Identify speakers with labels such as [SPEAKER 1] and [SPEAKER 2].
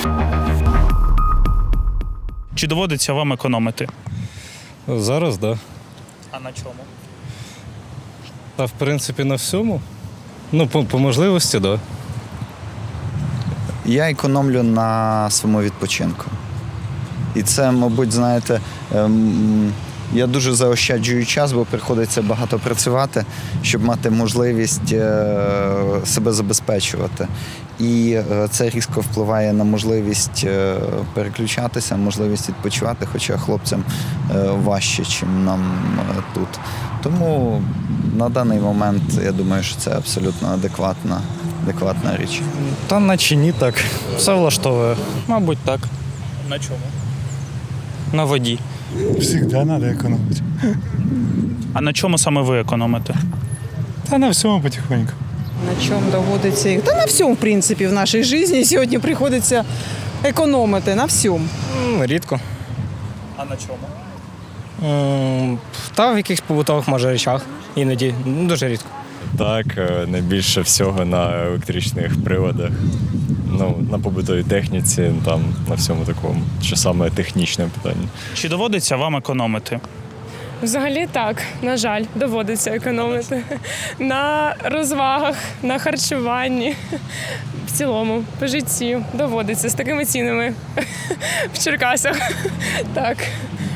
[SPEAKER 1] Чи доводиться вам економити?
[SPEAKER 2] Зараз, так. Да.
[SPEAKER 1] А на чому?
[SPEAKER 2] Та в принципі на всьому. Ну, по можливості, так. Да.
[SPEAKER 3] Я економлю на своєму відпочинку. І це, мабуть, знаєте, я дуже заощаджую час, бо приходиться багато працювати, щоб мати можливість себе забезпечувати. І це різко впливає на можливість переключатися, можливість відпочивати, хоча хлопцям важче, ніж нам тут. Тому на даний момент я думаю, що це абсолютно адекватна річ.
[SPEAKER 4] Та наче ні так. Все влаштовує. Мабуть, так.
[SPEAKER 1] На чому?
[SPEAKER 4] На воді.
[SPEAKER 5] Всегда надо экономить.
[SPEAKER 1] А на чому саме ви економите?
[SPEAKER 5] Да на всем потихоньку.
[SPEAKER 6] На чому доводиться їх? Та на всьому, в принципі, в нашій житті сьогодні приходиться економити, на всьому.
[SPEAKER 4] Рідко.
[SPEAKER 1] А на чому?
[SPEAKER 4] Та в якихось побутових, може, речах. Іноді. Дуже рідко.
[SPEAKER 7] Так, найбільше всього на електричних приладах, на побутовій техніці, там, на всьому такому, що саме технічне питання.
[SPEAKER 1] Чи доводиться вам економити?
[SPEAKER 8] Взагалі так, на жаль, доводиться економити. На розвагах, на харчуванні, в цілому, по житті доводиться з такими цінами в Черкасах. Так.